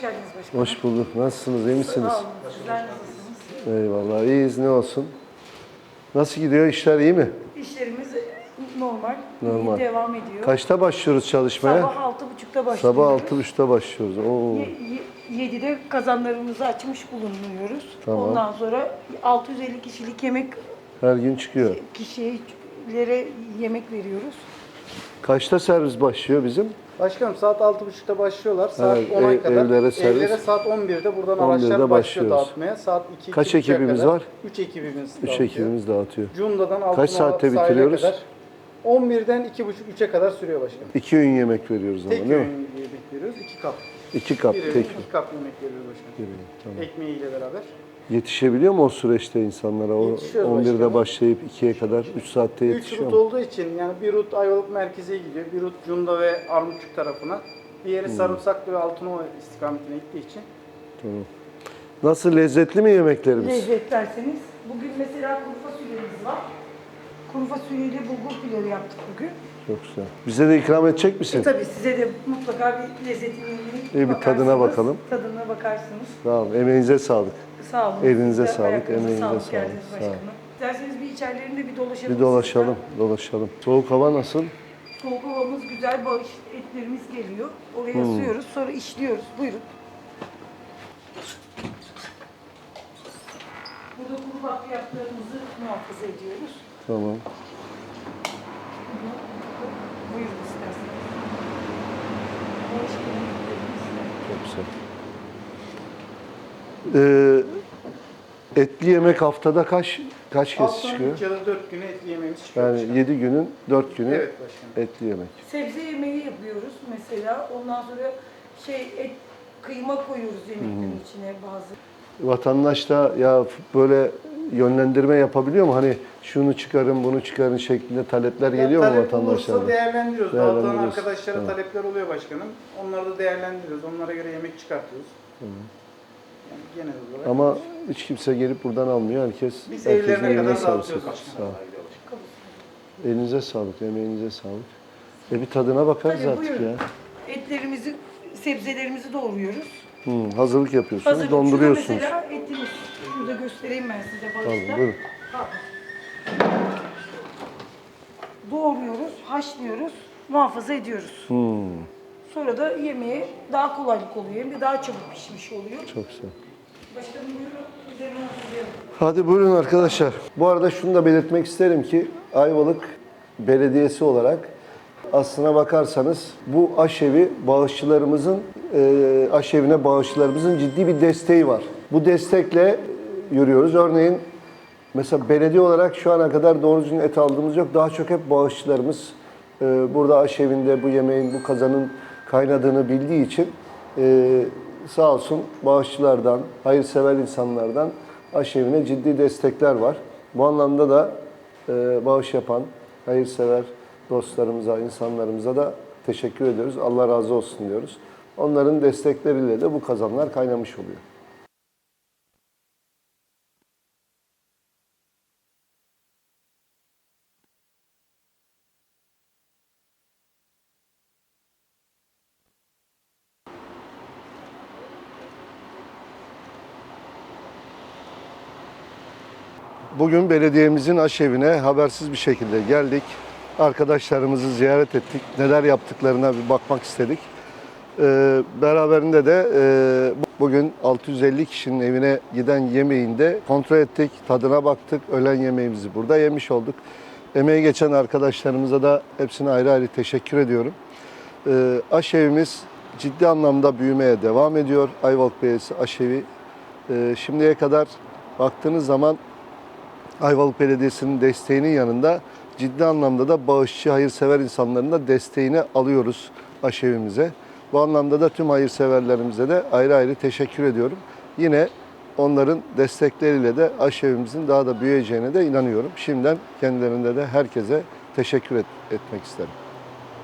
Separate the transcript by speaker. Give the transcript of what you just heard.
Speaker 1: hoş geldiniz başkanım.
Speaker 2: Hoş bulduk. Nasılsınız? İyi misiniz?
Speaker 1: Sağ olun. Sizler nasılsınız?
Speaker 2: Eyvallah. İyiyiz. Ne olsun? Nasıl gidiyor? İşler iyi mi?
Speaker 1: İşlerimiz normal.
Speaker 2: Normal.
Speaker 1: Devam ediyor.
Speaker 2: Kaçta başlıyoruz çalışmaya?
Speaker 1: Sabah 6.30'da başlıyoruz.
Speaker 2: Sabah 6.30'da başlıyoruz. Oo.
Speaker 1: 7'de kazanlarımızı açmış bulunuyoruz.
Speaker 2: Tamam.
Speaker 1: Ondan sonra 650 kişilik yemek
Speaker 2: Her gün çıkıyor.
Speaker 1: kişilere yemek veriyoruz.
Speaker 2: Kaçta servis başlıyor bizim?
Speaker 3: Başkanım saat 6.30'da başlıyorlar. Saat
Speaker 2: Evet,
Speaker 3: 10'a kadar.
Speaker 2: evlere servis.
Speaker 3: Saat 11'de buradan
Speaker 2: 11'de
Speaker 3: araçlar başlıyor
Speaker 2: başlıyoruz.
Speaker 3: dağıtmaya. Saat 2
Speaker 2: Kaç ekibimiz var?
Speaker 3: 3 ekibimiz
Speaker 2: 3
Speaker 3: dağıtıyor.
Speaker 2: ekibimiz dağıtıyor.
Speaker 3: Cunda'dan
Speaker 2: Kaç
Speaker 3: Altınoluk
Speaker 2: saatte
Speaker 3: sahile
Speaker 2: bitiriyoruz?
Speaker 3: kadar 11'den 2.30-3'e kadar sürüyor başkanım.
Speaker 2: 2 öğün yemek veriyoruz ama
Speaker 3: Tek
Speaker 2: değil mi?
Speaker 3: öğün yemek veriyoruz. 2 kap.
Speaker 2: 2 kap.
Speaker 3: Bir öğün
Speaker 2: Tek
Speaker 3: 2 kap yemek veriyoruz başkanım.
Speaker 2: öğün. Tamam.
Speaker 3: Ekmeğiyle beraber.
Speaker 2: Yetişebiliyor mu o süreçte insanlara? O
Speaker 3: Yetişiyoruz
Speaker 2: 11'de
Speaker 3: başkanım.
Speaker 2: başlayıp 2'ye kadar 3 saatte
Speaker 3: 3
Speaker 2: yetişiyor
Speaker 3: rut
Speaker 2: mu?
Speaker 3: olduğu için yani bir rut Ayvalık merkeze gidiyor. Bir rut Cunda ve Armutçuk tarafına. Diğeri Sarımsaklı ve Altınova istikametine gittiği için.
Speaker 2: Tamam. Nasıl, lezzetli mi yemeklerimiz?
Speaker 1: Lezzetlerseniz. Bugün mesela kuru fasulyemiz var. Kuru fasulyeyle bulgur pilavı yaptık bugün.
Speaker 2: Çok güzel. Bize de ikram edecek misin?
Speaker 1: Tabii size de mutlaka bir lezzetine
Speaker 2: Bir tadına bakalım.
Speaker 1: Tadına bakarsınız.
Speaker 2: Sağ olun. Emeğinize sağlık.
Speaker 1: Sağ olun.
Speaker 2: Elinize
Speaker 1: Size,
Speaker 2: sağlık,
Speaker 1: ayaklarınıza
Speaker 2: emeğinize sağlık.
Speaker 1: geldiniz
Speaker 2: Sağ
Speaker 1: başkanım.
Speaker 2: olun.
Speaker 1: İsterseniz bir içerilerinde bir dolaşalım.
Speaker 2: Bir dolaşalım,
Speaker 1: sizden.
Speaker 2: dolaşalım. Soğuk hava nasıl?
Speaker 1: Soğuk havamız güzel, bağış etlerimiz geliyor. Oraya
Speaker 2: Hmm.
Speaker 1: asıyoruz, sonra işliyoruz. Buyurun. Burada kuru bakliyatlarımızı muhafaza ediyoruz.
Speaker 2: Tamam.
Speaker 1: Buyurun isterseniz. Bağış etlerimiz.
Speaker 2: Çok güzel. Etli yemek haftada kaç kez
Speaker 3: Haftanın
Speaker 2: çıkıyor?
Speaker 3: 3 ya da 4 günü etli yemeğimiz çıkıyor.
Speaker 2: Yani
Speaker 3: başkanım.
Speaker 2: 7 günün 4 günü
Speaker 3: Evet başkanım.
Speaker 2: etli yemek.
Speaker 1: Sebze yemeği yapıyoruz mesela. Ondan sonra et, kıyma koyuyoruz yemeklerin içine bazı.
Speaker 2: Vatandaş da ya böyle yönlendirme yapabiliyor mu? Hani şunu çıkarın, bunu çıkarın şeklinde talepler geliyor mu
Speaker 3: Talep
Speaker 2: vatandaşlardan?
Speaker 3: olursa değerlendiriyoruz.
Speaker 2: Değerlendiriyoruz.
Speaker 3: Dağıtılan arkadaşlara
Speaker 2: Tamam.
Speaker 3: talepler oluyor başkanım. Onları da değerlendiriyoruz. Onlara göre yemek çıkartıyoruz. Yani genel olarak.
Speaker 2: Ama hiç kimse gelip buradan almıyor.
Speaker 3: Biz
Speaker 2: Herkesin
Speaker 3: evlerine
Speaker 2: eline
Speaker 3: kadar
Speaker 2: sağlık.
Speaker 3: dağıtıyoruz
Speaker 2: Sağ
Speaker 3: başkanım.
Speaker 2: ol. Elinize sağlık, emeğinize sağlık. Bir tadına bakarız
Speaker 1: Tabii,
Speaker 2: artık
Speaker 1: buyurun.
Speaker 2: ya.
Speaker 1: Etlerimizi, sebzelerimizi doğruyoruz.
Speaker 2: Hazırlık yapıyorsunuz,
Speaker 1: Hazır.
Speaker 2: donduruyorsunuz.
Speaker 1: Şurada mesela etimiz. Şurada göstereyim ben size
Speaker 2: Tamam,
Speaker 1: bağışta.
Speaker 2: buyurun.
Speaker 1: Doğruyoruz, haşlıyoruz, muhafaza ediyoruz. Sonra da yemeğe daha kolaylık oluyor. Hem de daha çabuk pişmiş oluyor.
Speaker 2: Çok güzel.
Speaker 1: Başkanım buyurun, üzerine hazırlayalım.
Speaker 2: Hadi buyurun arkadaşlar. Bu arada şunu da belirtmek isterim ki Ayvalık Belediyesi olarak aslına bakarsanız bu aşevi bağışçılarımızın, aşevine bağışçılarımızın ciddi bir desteği var. Bu destekle yürüyoruz. Örneğin mesela belediye olarak şu ana kadar doğru düzgün et aldığımız yok. Daha çok hep bağışçılarımız burada aşevinde bu yemeğin, bu kazanın kaynadığını bildiği için sağ olsun bağışçılardan, hayırsever insanlardan aşevine ciddi destekler var. Bu anlamda da bağış yapan hayırsever dostlarımıza, insanlarımıza da teşekkür ediyoruz. Allah razı olsun diyoruz. Onların destekleriyle de bu kazanlar kaynamış oluyor. Bugün belediyemizin aşevine habersiz bir şekilde geldik. Arkadaşlarımızı ziyaret ettik. Neler yaptıklarına bir bakmak istedik. Beraberinde de bugün 650 kişinin evine giden yemeğinde kontrol ettik, tadına baktık. Öğlen yemeğimizi burada yemiş olduk. Emeği geçen arkadaşlarımıza da hepsine ayrı ayrı teşekkür ediyorum. Aşevimiz ciddi anlamda büyümeye devam ediyor. Ayvalık Belediyesi aşevi. Şimdiye kadar baktığınız zaman Ayvalık Belediyesi'nin desteğinin yanında ciddi anlamda da bağışçı, hayırsever insanların da desteğini alıyoruz aşevimize. Bu anlamda da tüm hayırseverlerimize de ayrı ayrı teşekkür ediyorum. Yine onların destekleriyle de aşevimizin daha da büyüyeceğine de inanıyorum. Şimdiden kendilerinde de herkese teşekkür etmek isterim.